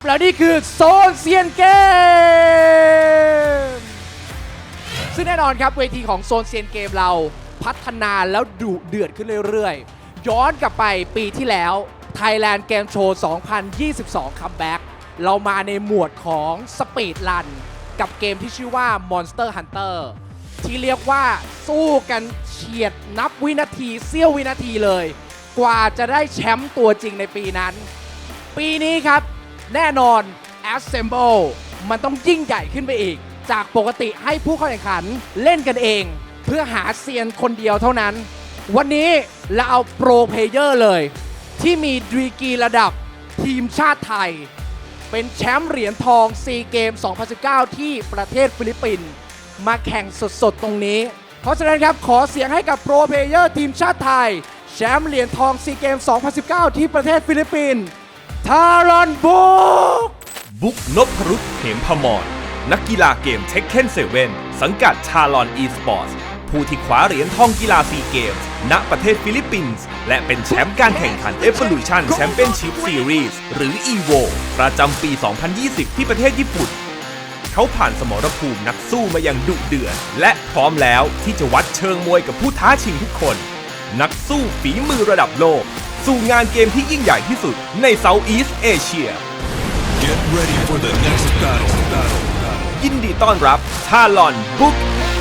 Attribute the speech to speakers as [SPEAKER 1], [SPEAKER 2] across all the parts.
[SPEAKER 1] แล้วนี่คือโซนเซียนเกมซึ่งแน่นอนครับเวทีของโซนเซียนเกมเราพัฒนาแล้วดุเดือดขึ้นเรื่อยๆย้อนกลับไปปีที่แล้ว Thailand Game Show 2022 คัมแบ็กเรามาในหมวดของสปีดรันกับเกมที่ชื่อว่า Monster Hunter ที่เรียกว่าสู้กันเฉียดนับวินาทีเสี้ยววินาทีเลยกว่าจะได้แชมป์ตัวจริงในปีนั้นปีนี้ครับแน่นอน Assemble มันต้องยิ่งใหญ่ขึ้นไปอีกจากปกติให้ผู้เข้าแข่งขันเล่นกันเองเพื่อหาเซียนคนเดียวเท่านั้นวันนี้เราเอาโปรเพลเยอร์เลยที่มีดีกรีระดับทีมชาติไทยเป็นแชมป์เหรียญทองซีเกม 2019 ที่ประเทศฟิลิปปินส์มาแข่งสดๆตรงนี้เพราะฉะนั้นครับขอเสียงให้กับโปรเพลเยอร์ทีมชาติไทยแชมป์เหรียญทองซีเกม 2019 ที่ประเทศฟิลิปปินส์ทารอนบุ๊ก
[SPEAKER 2] นพรุตเหมพมรนักกีฬาเกมเทคเคน7สังกัดชาลอนอีสปอร์ตผู้ที่คว้าเหรียญทองกีฬาซีเกมส์ณประเทศฟิลิปปินส์และเป็นแชมป์การแข่งขัน Evolution Championship Series หรือ EVO ประจำปี 2020 ที่ประเทศญี่ปุ่นเขาผ่านสมรภูมินักสู้มาอย่างดุเดือดและพร้อมแล้วที่จะวัดเชิงมวยกับผู้ท้าชิงทุกคนนักสู้ฝีมือระดับโลกสู่งานเกมที่ยิ่งใหญ่ที่สุดใน Southeast Asia
[SPEAKER 3] Get ready for the next battle.
[SPEAKER 2] ยินดีต้อนรับชาลอนบุ๊ก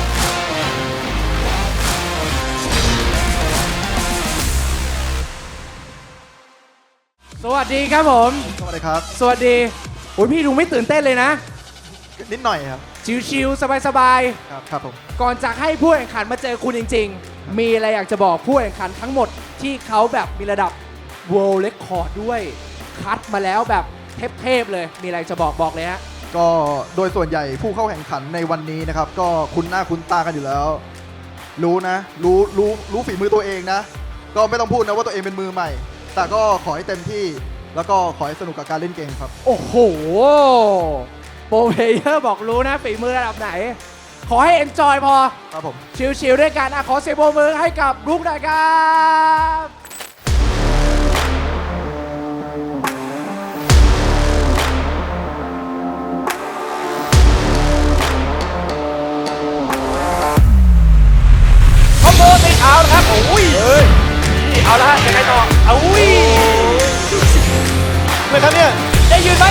[SPEAKER 1] สวัสดีครับผม
[SPEAKER 4] สวัสดีครับ
[SPEAKER 1] สวัสดีโอ้ยพี่ดูไม่ตื่นเต้นเลยนะ
[SPEAKER 4] นิดหน่อยครับ
[SPEAKER 1] ชิวๆสบาย
[SPEAKER 4] ครับผม
[SPEAKER 1] ๆก่อนจะให้ผู้แข่งขันมาเจอคุณจริงๆมีอะไรอยากจะบอกผู้แข่งขันทั้งหมดที่เขาแบบมีระดับ World Record ด้วยคัดมาแล้วแบบเทพๆเลยมีอะไรจะบอกเลยฮะ
[SPEAKER 4] ก็โดยส่วนใหญ่ผู้เข้าแข่งขันในวันนี้นะครับก็คุ้นหน้าคุ้นตากันอยู่แล้ว รู้นะรู้ฝีมือตัวเองนะก็ไม่ต้องพูดนะว่าตัวเองเป็นมือใหม่ แต่ก็ขอให้เต็มที่แล้วก็ขอให้สนุกกับการเล่นเกมครับ
[SPEAKER 1] โอ้โหโปรเพลเยอร์บอกรู้นะฝีมือระดับไหนขอให้ enjoy พอ
[SPEAKER 4] ครับผม
[SPEAKER 1] ชิลๆด้วยกันขอเสียงปรบมือให้กับลูกหน่อยครับเอาละครับโอ้ยเอาละยังไงต่ออุ้ย
[SPEAKER 4] เลยครับเนี่ย
[SPEAKER 1] ได้ยืนไหม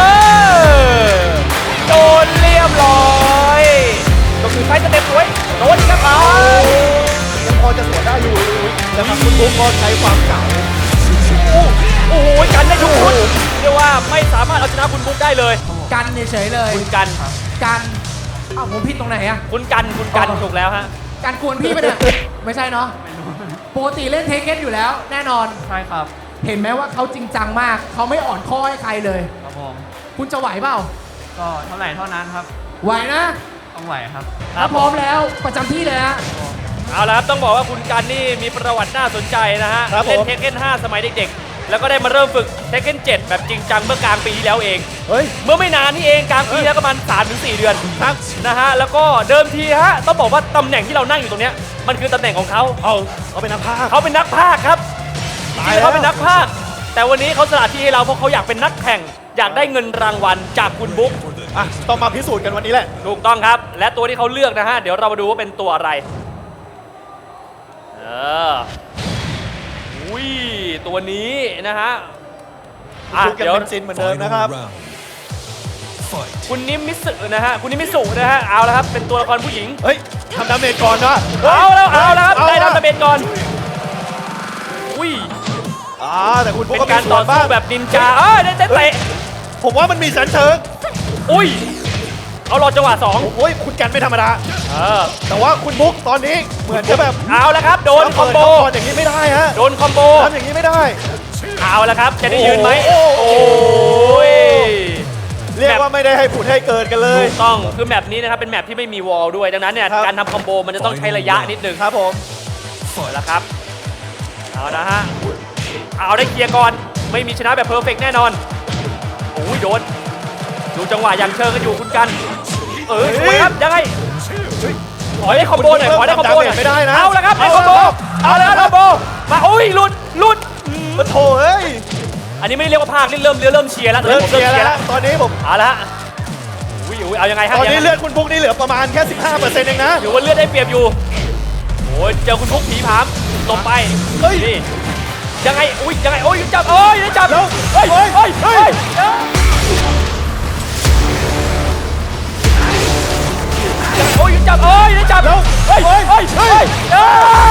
[SPEAKER 1] โดนเรียบร้อยก็คือไฟจะเต็มสวยโดนครับ
[SPEAKER 4] ยังพอจะสวนได้อยู่แล้วครับคุณบุ๊กก็ใช้ความเก่า
[SPEAKER 1] โอ้โหกันได้ทุกคนเรียกว่าไม่สามารถเอาชนะคุณบุ๊กได้เลยกันเฉยเลยคุณกันผมผิดตรงไหนอะคุณกันถูกแล้วฮะการกวนพี่ไปเนี่ยไม่ใช่เนาะปกติเล่นเทคเก็ตอยู่แล้วแน่นอน
[SPEAKER 5] ใช่ครับ
[SPEAKER 1] เห็นไหมว่าเขาจริงจังมากเขาไม่อ่อนข้อให้ใครเลย
[SPEAKER 5] ครับผม
[SPEAKER 1] คุณจะไหวเปล่า
[SPEAKER 5] ก็เท่าไหร่เท่านั้นครับ
[SPEAKER 1] ไหวนะ
[SPEAKER 5] ต้องไหวครับ
[SPEAKER 1] ถ้าพร้อมแล้วประจำที่เลยฮะ
[SPEAKER 6] เอาละครับต้องบอกว่าคุณกันนี่มีประวัติน่าสนใจนะฮะเล่นเทคเก็ต5สมัยเด็กๆแล้วก็ได้มาเริ่มฝึกเทคเก็ต7แบบจริงจังเมื่อกลางปีที่แล้วเองเมื่อไม่นานนี่เองกลางปีแล้วประมาณ 3-4 เดือนนะฮะแล้วก็เดิมทีฮะต้องบอกว่าตำแหน่งที่เรานั่งอยู่ตรงเนี้ยมันคือตำแหน่งของเขา
[SPEAKER 4] เป็นนักพากย์
[SPEAKER 6] เขาเป็นนักพากย์ครับจริงๆเขาเป็นนักพากย์แต่วันนี้เขาสละที่ให้เราเพราะเขาอยากเป็นนักแข่งอยากได้เงินรางวัลจากคุณบุ๊ก
[SPEAKER 4] ต้องมาพิสูจน์กันวันนี้แหละ
[SPEAKER 6] ถูกต้องครับและตัวที่เขาเลือกนะฮะเดี๋ยวเรามาดูว่าเป็นตัวอะไรอุ้ยตัวนี้นะฮะ
[SPEAKER 4] เดี๋ยวซินเหมือนเดิมนะครับ
[SPEAKER 6] คุณนิมิสุนะฮะคุณนิมิสุนะฮะเอาแล้วครับเป็นตัวละครผู้หญิง
[SPEAKER 4] ทำดาเมจก่อนนะ
[SPEAKER 6] เอาแล้วครับได้ทำดาเมจก่อนอุ้ย
[SPEAKER 4] แต่คุณ
[SPEAKER 6] เป็นการต่อสู้แบบนินจาได้เตะ
[SPEAKER 4] ผมว่ามันมีสันเชิง
[SPEAKER 6] อุ้ยเอาหลอดจังหวะ2
[SPEAKER 4] โอ้ยคุณกันไม่ธรรมดาแต่ว่าคุณบุ๊กตอนนี้เหมือนจะแบบ
[SPEAKER 6] เอาแล้วครับโดนคอมโบ
[SPEAKER 4] อย่างนี้ไม่ได้ฮะ
[SPEAKER 6] โดนคอมโบ
[SPEAKER 4] ทำอย่างนี้ไม่ได้
[SPEAKER 6] เอาแล้วครับจะได้ยืนไหมโอ้ย
[SPEAKER 4] เรียกว่าไม่ได้ให้ผุดให้เกิดกันเลย
[SPEAKER 6] ถูกต้องคือแมปนี้นะครับเป็นแมปที่ไม่มีวอลด้วยดังนั้นเนี่ยการทำคอมโบมันจะต้องใช้ระยะนิดนึง
[SPEAKER 4] ครับผม
[SPEAKER 6] แล้วครับเอานะฮะเอาได้เคลียร์ก่อนไม่มีชนะแบบเพอร์เฟกต์แน่นอนโอ้ยโดนดูจังหวะอย่างเชิงกันอยู่คุณกันสวยครับยังไงขอได้คอมโบหน่อยขอได้คอมโบหน่อย
[SPEAKER 4] ไม่ได้นะ
[SPEAKER 6] เอาแล้วครับได้คอมโบเอาแล้วคอมโบมาโอ้ยหลุด
[SPEAKER 4] มาโถเอ้ย
[SPEAKER 6] อันนี้ไม่ได้เรียกว่าภาคนี่เริ่มเชียร์แล้ว
[SPEAKER 7] เริ่มเชียร์แล้วตอนนี้ผม
[SPEAKER 6] เอาละฮะอุ้ยเอายังไงฮะ
[SPEAKER 7] ตอนนี้เลือดคุณบุ๊กนี่เหลือประมาณแค่ 15%เองนะ
[SPEAKER 6] ถือว่าเลือดได้เปรียบอยู่โอ้ยเจอคุณพุกผีผามหลบไป
[SPEAKER 7] เฮ้ย
[SPEAKER 6] นี่ยังไงอุ้ยยังไงโอ้ยจับได้จับ
[SPEAKER 7] แล้ว
[SPEAKER 6] เฮ้ย
[SPEAKER 7] เฮ้ย
[SPEAKER 6] เฮ้ย
[SPEAKER 7] เฮ้
[SPEAKER 6] เฮ้
[SPEAKER 7] ย
[SPEAKER 6] ยโอ้ยจับได้จับ
[SPEAKER 7] แล้ว
[SPEAKER 6] เฮ้ย
[SPEAKER 7] เฮ้ย
[SPEAKER 6] เฮ้ย
[SPEAKER 7] เฮ้
[SPEAKER 6] เฮ้
[SPEAKER 7] ย
[SPEAKER 6] ยเฮ้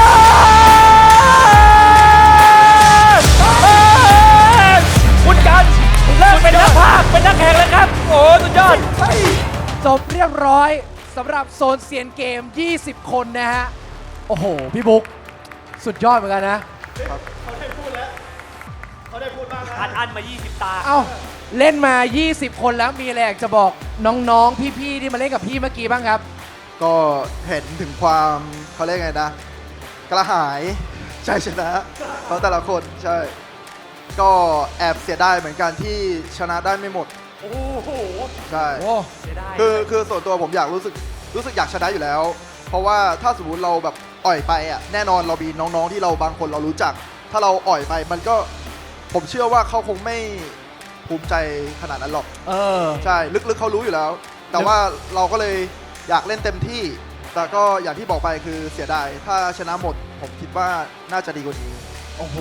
[SPEAKER 6] ยคุณกันเลิกเป็นนักพากย์เป็นนักแข่งแล้วครับโอ้สุดยอด
[SPEAKER 1] จบเรียบร้อยสำหรับโซนเซียนเกม 20 คนนะฮะ โอ้โห พี่บุ๊กสุดยอดเหมือนกันนะ
[SPEAKER 7] เขาได้พูดแล้วเขาได้พูดบ้างนะ
[SPEAKER 6] อันมา 20 ตา
[SPEAKER 1] เอ้า เล่นมา 20 คนแล้วมีอะไรอยากจะบอกน้องๆ พี่ๆ ที่มาเล่นกับพี่เมื่อกี้บ้างครับ
[SPEAKER 4] ก็เห็นถึงความเขาเรียกไงนะ กระหายใจชนะของแต่ละคนใช่ ก็แอบเสียดายเหมือนกันที่ชนะได้ไม่หมด
[SPEAKER 6] โอ้โห
[SPEAKER 4] ใช่
[SPEAKER 1] โอ้
[SPEAKER 6] เสียดาย
[SPEAKER 4] คือส่วนตัวผมอยากรู้สึกอยากชนะอยู่แล้ว เพราะว่าถ้าสมมติเราแบบอ่อยไปอ่ะแน่นอนเรามีน้องๆที่เราบางคนเรารู้จัก ถ้าเราอ่อยไปมันก็ผมเชื่อว่าเขาคงไม่ภูมิใจขนาดนั้นหรอก
[SPEAKER 1] เออ
[SPEAKER 4] ใช่ลึกๆเขารู้อยู่แล้ว แต่ว่าเราก็เลยอยากเล่นเต็มที่ แต่ก็อย่างที่บอกไปคือเสียดายถ้าชนะหมด ผมคิดว่าน่าจะดีกว่านี้
[SPEAKER 1] โอ้โห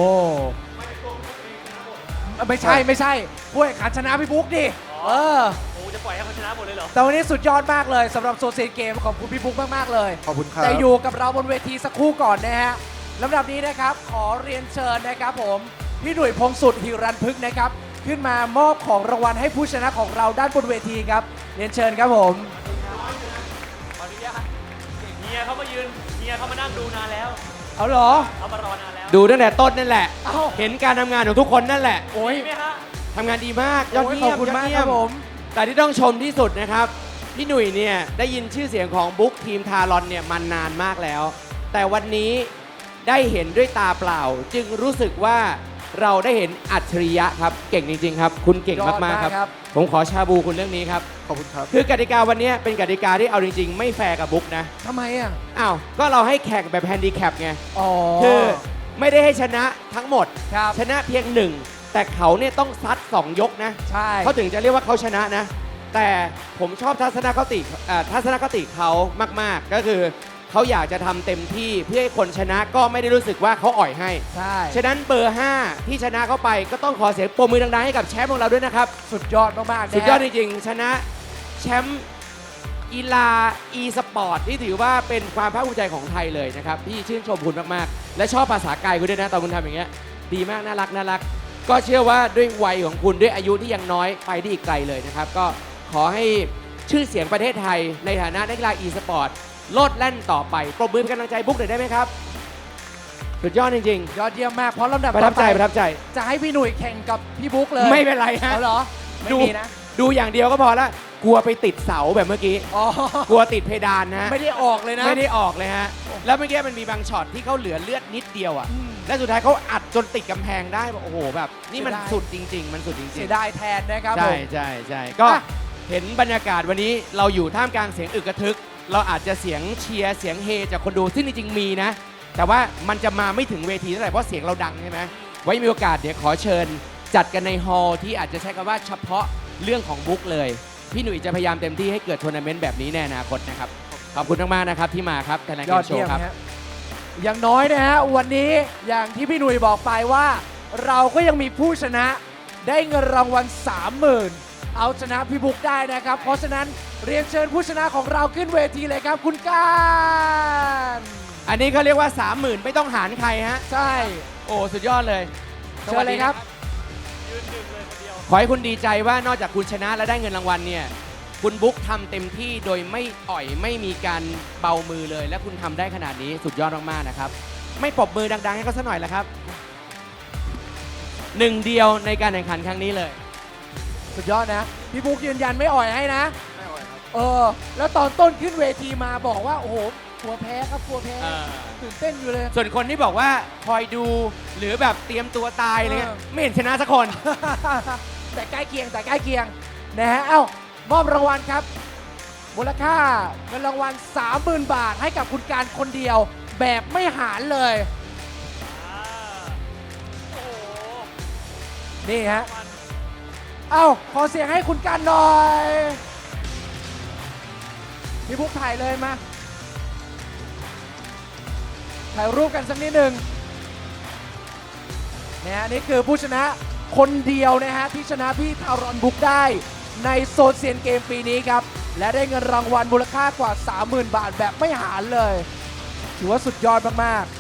[SPEAKER 1] ไม่ใช่ผู้แข่งขันชนะพี่บุ๊กดิ เออ
[SPEAKER 6] โอ้จะปล่อยให้เขาชนะหมดเลยเหรอ
[SPEAKER 1] แต่วันนี้สุดยอดมากเลยสำหรับโซนเซียนเกมขอบคุณพี่บุ๊กมากๆเลย
[SPEAKER 4] ขอบคุณครับ
[SPEAKER 1] แต่อยู่กับเราบนเวทีสักครู่ก่อนนะฮะลำดับนี้นะครับขอเรียนเชิญนะครับผมพี่หนุ่ยพงสุดหิรันพึกษ์นะครับขึ้นมามอบของรางวัลให้ผู้ชนะของเราด้านบนเวทีครับเรียนเชิญครับผม
[SPEAKER 6] ขออนุญาตเฮียเขามายืนเฮียเขามานั่งดูนานแล้ว
[SPEAKER 1] เอาเหรอ
[SPEAKER 6] เขามารอนานแล้ว
[SPEAKER 8] ดูตั้งแต่ต้นนั่นแหละ
[SPEAKER 1] เอ้า
[SPEAKER 8] เห็นการทำงานของทุกคนนั่นแหละ
[SPEAKER 1] โอ้ย
[SPEAKER 6] ดีไหมฮะ
[SPEAKER 8] ทำงานดีมาก ยอด
[SPEAKER 1] โอ้ย
[SPEAKER 8] เยี่ยม
[SPEAKER 1] ขอบคุณ
[SPEAKER 8] ยอด
[SPEAKER 1] มาก
[SPEAKER 8] เยี่
[SPEAKER 1] ค
[SPEAKER 8] ย
[SPEAKER 1] รับผม
[SPEAKER 8] แต่ที่ต้องชมที่สุดนะครับ พี่หนุ่ยเนี่ยได้ยินชื่อเสียงของบุ๊กทีมทารอนเนี่ยมานานมากแล้ว แต่วันนี้ได้เห็นด้วยตาเปล่า จึงรู้สึกว่าเราได้เห็นอัจฉริยะครับ เก่งจริงๆครับ คุณเก่งมากๆครับ ผมขอชาบูคุณเรื่องนี้ครับ
[SPEAKER 4] ขอบคุณครับ
[SPEAKER 8] คือกติกาวันนี้เป็นกติกาที่เอาจริงๆ ไม่แฟร์กับบุ๊กนะ
[SPEAKER 1] ทำไมอ่ะ
[SPEAKER 8] อ้าวก็เราให้แข่งแบบแฮนดิแคปไง
[SPEAKER 1] อ๋อ
[SPEAKER 8] คือไม่ได้ให้ชนะทั้งหมด
[SPEAKER 1] ครับ
[SPEAKER 8] ชนะเพียงหนึ่งแต่เขาเนี่ยต้องซัด2 ยกนะ
[SPEAKER 1] ใช่
[SPEAKER 8] เขาถึงจะเรียกว่าเขาชนะนะ แต่ผมชอบทัศนคติเขามากๆ ก็คือเขาอยากจะทำเต็มที่เพื่อให้คนชนะก็ไม่ได้รู้สึกว่าเขาอ่อยให้
[SPEAKER 1] ใช่
[SPEAKER 8] ฉะนั้นเบอร์ 5 ที่ชนะเข้าไปก็ต้องขอเสียงปรบมือดังๆให้กับแชมป์ของเราด้วยนะครับ
[SPEAKER 1] สุดยอดมากๆนะฮะ
[SPEAKER 8] สุดยอดจริงๆ ชนะแชมป์กีฬา e สปอร์ตที่ถือว่าเป็นความภาคภูมิใจของไทยเลยนะครับ พี่ชื่นชมคุณมากๆ และชอบภาษากายคุณด้วยนะตอนคุณทำอย่างเงี้ยดีมากน่ารัก ก็เชื่อว่าด้วยวัยของคุณด้วยอายุที่ยังน้อยไปได้อีกไกลเลยนะครับ ก็ขอให้ชื่อเสียงประเทศไทยในฐานะนักกีฬา e สปอร์ตโลดแล่นต่อไปปรบมือเป็นกำลังใจบุ๊กหน่อยได้ไหมครับ สุดยอดจริง
[SPEAKER 1] ยอดเยี่ยมมากเพราะลำดับ
[SPEAKER 8] ๆ ประทับใจ
[SPEAKER 1] ต่อ
[SPEAKER 8] ประทับใจ
[SPEAKER 1] จะให้พี่หนุ่ยแข่งกับพี่บุ๊กเลย
[SPEAKER 8] ไม่เป็นไรฮะ
[SPEAKER 1] เอาเหรอ ไม่
[SPEAKER 8] ดู
[SPEAKER 1] มีนะ
[SPEAKER 8] ดูอย่างเดียวก็พอละกลัวไปติดเสาแบบเมื่อกี้
[SPEAKER 1] อ๋อ
[SPEAKER 8] กลัวติดเพดานนะฮะ
[SPEAKER 1] ไม่ได้ออกเลยนะ
[SPEAKER 8] ไม่ได้ออกเลยฮะ แล้วเมื่อกี้มันมีบางช็อตที่เขาเหลือเลือดนิดเดียวอ่ะ
[SPEAKER 1] อืม
[SPEAKER 8] และสุดท้ายเขาอัดจนติดกำแพงได้แบบโอ้โหแบบ นี่มัน
[SPEAKER 1] เสียดาย
[SPEAKER 8] สุดจริง ๆ มันสุดจริง
[SPEAKER 1] เสียดายแทนนะครับ
[SPEAKER 8] ๆ ใช่
[SPEAKER 1] ผม
[SPEAKER 8] ใช่ใช่ก็
[SPEAKER 1] อ่ะ
[SPEAKER 8] เห็นบรรยากาศวันนี้เราอยู่ท่ามกลางเสียงอึกกระทึก เราอาจจะเสียงเชียร์เสียงเฮจากคนดูซึ่งจริงๆมีนะ แต่ว่ามันจะมาไม่ถึงเวทีเท่าไหร่เพราะเสียงเราดังใช่ไหมไว้มีโอกาสเดี๋ยวขอเชิญ จัดกันในฮอลล์ที่อาจจะใช้คำว่าเฉพาะเรื่องของบุ๊กเลย พี่หนุ่ยจะพยายามเต็มที่ให้เกิดทัวร์นาเมนต์แบบนี้ในอนาคตนะครับ ขอบคุณมากๆนะครับที่มาครับไทยแลนด์
[SPEAKER 1] ย
[SPEAKER 8] เก
[SPEAKER 1] อด
[SPEAKER 8] มโช
[SPEAKER 1] เยี่ยม
[SPEAKER 8] ว์ครับ
[SPEAKER 1] ฮะอย่างน้อยนะฮะวันนี้อย่างที่พี่หนุ่ยบอกไปว่า เราก็ยังมีผู้ชนะได้เงินรางวัล 30,000 เอาชนะพี่บุ๊กได้นะครับ เพราะฉะนั้นเรียนเชิญผู้ชนะของเราขึ้นเวทีเลยครับ คุณการ
[SPEAKER 8] อันนี้เขาเรียกว่า 30,000 ไม่ต้องหารใครฮะ
[SPEAKER 1] ใช่
[SPEAKER 8] โอ้สุดยอดเลย
[SPEAKER 1] เชิญเลยครับ
[SPEAKER 8] ขอให้คุณดีใจว่านอกจากคุณชนะและได้เงินรางวัลเนี่ยคุณบุ๊กทำเต็มที่โดยไม่อ่อยไม่มีการเบามือเลย และคุณทำได้ขนาดนี้สุดยอดมากๆนะครับ ไม่ปรบมือดังๆให้เขาสักหน่อยละครับหนึ่งเดียวในการแข่งขันครั้งนี้เลย
[SPEAKER 1] สุดยอดนะ พี่บุ๊กยืนยันไม่อ่อยให้นะ แล้วตอนต้นขึ้นเวทีมาบอกว่า โอ้โหกลัวแพ้ครับกลัวแพ้ ตื่นเต้นอยู่เลย
[SPEAKER 8] ส่วนคนที่บอกว่าคอยดูหรือแบบเตรียมตัวตายอะไรเงี้ย
[SPEAKER 1] เออ
[SPEAKER 8] ไม่เห็นชนะสักคน
[SPEAKER 1] แต่ใกล้เคียงแต่ใกล้เคียงนะฮะเอ้ามอบรางวัลครับ มูลค่าเงินรางวัล 30,000 บาทให้กับคุณการคนเดียว แบบไม่หารเลยนี่ฮะ เอ้า ขอเสียงให้คุณกันหน่อย พี่พุกถ่ายเลยมา ถ่ายรูปกันสักนิดหนึ่งนะฮะนี่คือผู้ชนะคนเดียวนะฮะที่ชนะพี่ทารอนบุ๊กได้ในโซนเซียนเกมปีนี้ครับ และได้เงินรางวัลมูลค่ากว่า 30,000 บาทแบบไม่หารเลย ถือว่าสุดยอดมากๆ